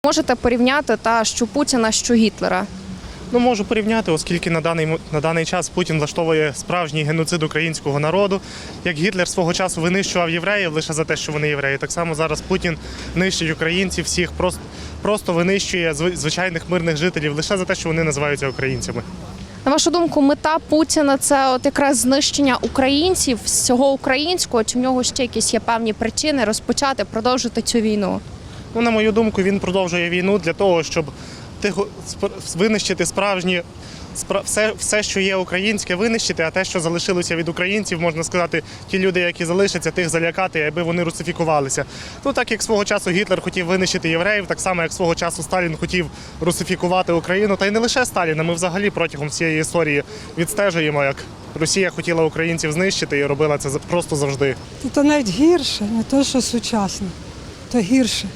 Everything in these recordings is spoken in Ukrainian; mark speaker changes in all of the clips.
Speaker 1: Можете порівняти що Путіна, що Гітлера?
Speaker 2: Можу порівняти, оскільки на даний час Путін влаштовує справжній геноцид українського народу. Як Гітлер свого часу винищував євреїв лише за те, що вони євреї, так само зараз Путін нищить українців, всіх просто винищує звичайних мирних жителів лише за те, що вони називаються українцями.
Speaker 1: На вашу думку, мета Путіна – це якраз знищення українців, всього українського, чи в нього ще якісь є певні причини розпочати, продовжити цю війну?
Speaker 2: На мою думку, він продовжує війну для того, щоб винищити все, що є українське, винищити, а те, що залишилося від українців, можна сказати, ті люди, які залишаться, тих залякати, аби вони русифікувалися. Так як свого часу Гітлер хотів винищити євреїв, так само, як свого часу Сталін хотів русифікувати Україну, та й не лише Сталіна, ми взагалі протягом всієї історії відстежуємо, як Росія хотіла українців знищити і робила це просто завжди.
Speaker 3: Це навіть гірше, не те, що сучасно, то гірше.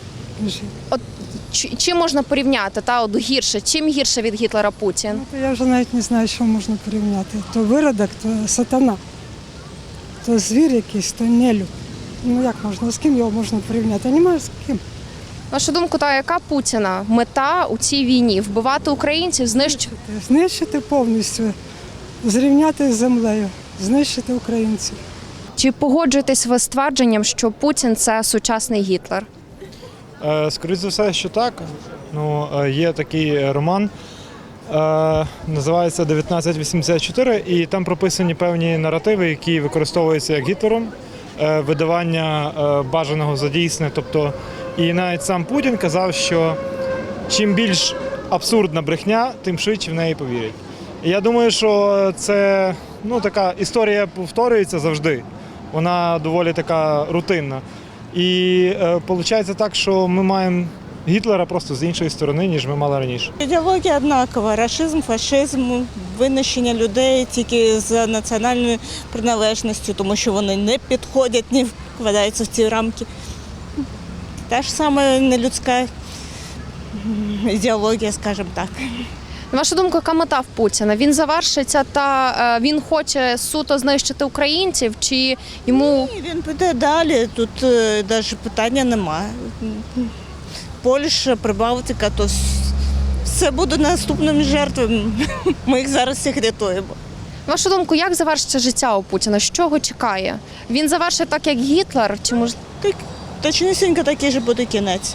Speaker 1: Чим можна порівняти, гірше? Чим гірше від Гітлера Путін?
Speaker 3: Я вже навіть не знаю, що можна порівняти. То виродок, то сатана, то звір якийсь, то нелюд. Як можна, з ким його можна порівняти? Немає з ким.
Speaker 1: На вашу думку, яка Путіна мета у цій війні? Вбивати українців, знищити?
Speaker 3: Знищити повністю, зрівняти з землею, знищити українців.
Speaker 1: Чи погоджуєтесь ви з твердженням, що Путін – це сучасний Гітлер?
Speaker 4: Скоріше за все, що так. Є такий роман, називається «1984», і там прописані певні наративи, які використовуються як Гітлером, видавання бажаного за дійсне. І навіть сам Путін казав, що чим більш абсурдна брехня, тим швидше в неї повірять. І я думаю, що це така історія повторюється завжди. Вона доволі така рутинна. І виходить так, що ми маємо Гітлера просто з іншої сторони, ніж ми мали раніше.
Speaker 5: Ідеологія однакова. Рашизм, фашизм, винищення людей тільки за національною приналежністю, тому що вони не підходять, не вкладаються в ці рамки. Та ж саме нелюдська ідеологія, скажімо так.
Speaker 1: На вашу думку, яка мета в Путіна? Він завершиться він хоче суто знищити українців, чи йому…
Speaker 5: Ні, він піде далі, тут навіть питання немає. Польща, Прибалтика, то все буде наступними жертвами. Ми їх зараз всіх рятуємо.
Speaker 1: На вашу думку, як завершиться життя у Путіна? Що його чекає? Він завершить так, як Гітлер? Чи
Speaker 5: Точнісінько такий же буде кінець.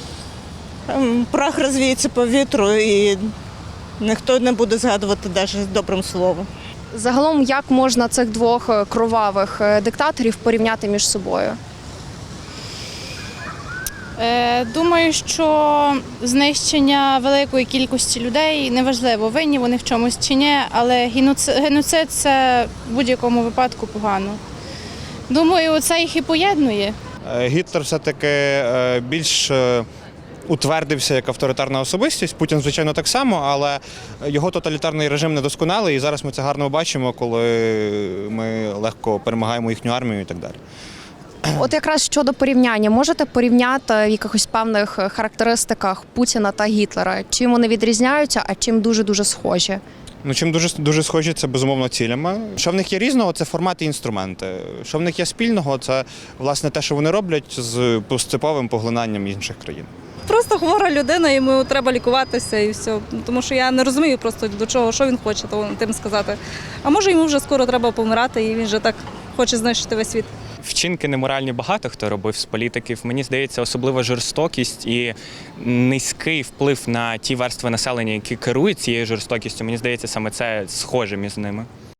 Speaker 5: Прах розвіється по вітру і ніхто не буде згадувати навіть добрим словом.
Speaker 1: Загалом, як можна цих двох кровавих диктаторів порівняти між собою?
Speaker 6: Думаю, що знищення великої кількості людей неважливо, винні вони в чомусь чи ні, але геноцид – це в будь-якому випадку погано. Думаю, це їх і поєднує.
Speaker 7: Гітлер все-таки більш утвердився як авторитарна особистість, Путін, звичайно, так само, але його тоталітарний режим недосконалий, і зараз ми це гарно бачимо, коли ми легко перемагаємо їхню армію і так далі.
Speaker 1: Якраз щодо порівняння, можете порівняти в якихось певних характеристиках Путіна та Гітлера? Чим вони відрізняються, а чим дуже-дуже схожі?
Speaker 7: Чим дуже схожі, це безумовно цілями. Що в них є різного, це формати і інструменти. Що в них є спільного, це власне те, що вони роблять з поступовим поглинанням інших країн.
Speaker 8: Просто хвора людина, йому треба лікуватися і все. Тому що я не розумію просто до чого, що він хоче тим сказати. А може йому вже скоро треба помирати і він вже так хоче знищити весь світ.
Speaker 9: Вчинки неморальні багато хто робив з політиків. Мені здається, особлива жорстокість і низький вплив на ті верстви населення, які керують цією жорстокістю. Мені здається, саме це схоже між ними.